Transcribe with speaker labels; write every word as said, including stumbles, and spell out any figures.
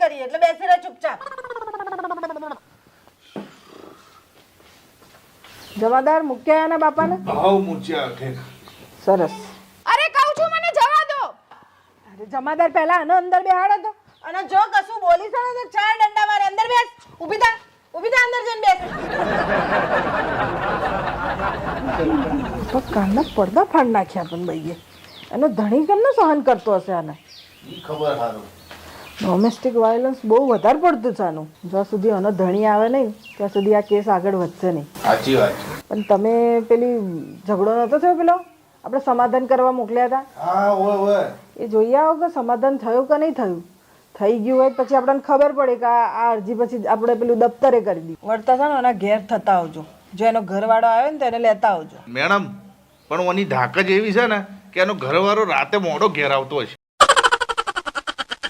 Speaker 1: કરીએ એટલે બેસી રહે ચૂપચાપ.
Speaker 2: જમાદાર મૂક્યા એના બાપાને?
Speaker 3: ભાવ મૂચ્યા ઠેક.
Speaker 2: સરસ.
Speaker 4: અરે કહું છું મને જવા દો.
Speaker 2: અરે જમાદાર પહેલા આનો અંદર બેહાડો તો.
Speaker 1: અને જો કશું બોલીશ ને તો ચાર ડંડા મારે. અંદર બેસ. ઊભી થા ઊભી થા અંદર જઈને બેસ.
Speaker 2: તો કાનના પડદા ફાડ નાખ્યા પણ ભાઈએ. એનો ધણી કેમને સહન કરતો હશે આને?
Speaker 3: ઈ ખબર હારું.
Speaker 2: ડોમેસ્ટિક વાયોલન્સ બહુ વધારે પડતું છે આનું. જ્યાં સુધી આનો ધણી આવે નહીં ત્યાં સુધી આ કેસ આગળ વધશે નહીં.
Speaker 3: સાચી વાત છે.
Speaker 2: પણ તમે પેલી ઝઘડો નહોતો થયો પેલો આપણે સમાધાન કરવા મોકલ્યા હતા?
Speaker 3: હા ઓય ઓય.
Speaker 2: એ જોઈ આવો કે સમાધાન થયું કે નહીં થયું. થઈ ગયું હોય પછી આપણને ખબર પડે કે આ આ અરજી પછી આપણે પેલું દફતરે કરી દીધું.
Speaker 1: વળતા છે ને એના ઘેર થતા આવજો. જો એનો ઘરવાળો આવ્યો ને તો એને લેતા આવજો.
Speaker 3: મેડમ પણ ઓની ધાક જ એવી છે ને કે એનો ઘરવાળો રાતે મોડો ઘેર આવતો હશે.